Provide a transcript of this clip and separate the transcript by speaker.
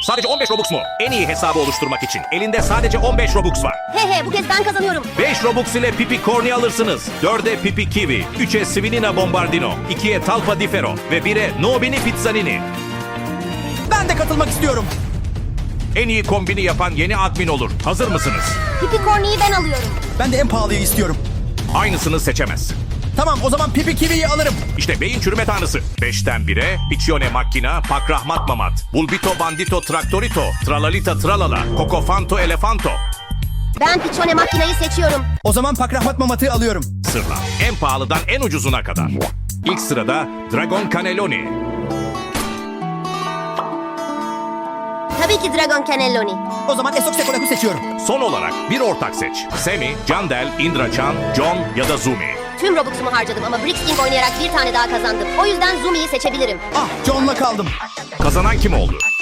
Speaker 1: Sadece 15 Robux mu? En iyi hesabı oluşturmak için elinde sadece 15 Robux var.
Speaker 2: He bu kez ben kazanıyorum.
Speaker 1: 5 Robux ile Pipi Corny alırsınız. 4'e Pipi Kiwi, 3'e Svinina Bombardino, 2'ye Talpa Di Ferro ve 1'e Nobini Pizzanini.
Speaker 3: Ben de katılmak istiyorum.
Speaker 1: En iyi kombini yapan yeni admin olur. Hazır mısınız?
Speaker 2: Pipi Corny'yi ben alıyorum.
Speaker 3: Ben de en pahalıyı istiyorum.
Speaker 1: Aynısını seçemezsin.
Speaker 3: Tamam, o zaman Pipi Kiwi'yi alırım.
Speaker 1: İşte beyin çürüme tanrısı. 5'ten 1'e Piccione Macchina, Pakrahmat Mamat, Bulbito Bandito Traktorito, Tralalita Tralala, Cocofanto Elefanto.
Speaker 2: Ben Piccione makinayı seçiyorum.
Speaker 3: O zaman Pakrahmat Mamat'ı alıyorum.
Speaker 1: Sırla. En pahalıdan en ucuzuna kadar. İlk sırada Dragon Cannelloni.
Speaker 2: Tabii ki Dragon Cannelloni.
Speaker 3: O zaman Esok Sekolak'ı seçiyorum.
Speaker 1: Son olarak bir ortak seç. Semi, Candel, Indrachan, John ya da Zumi.
Speaker 2: Tüm Robux'umu harcadım ama Brixking oynayarak bir tane daha kazandım. O yüzden Zumi'yi seçebilirim.
Speaker 3: Ah, John'la kaldım.
Speaker 1: Kazanan kim oldu?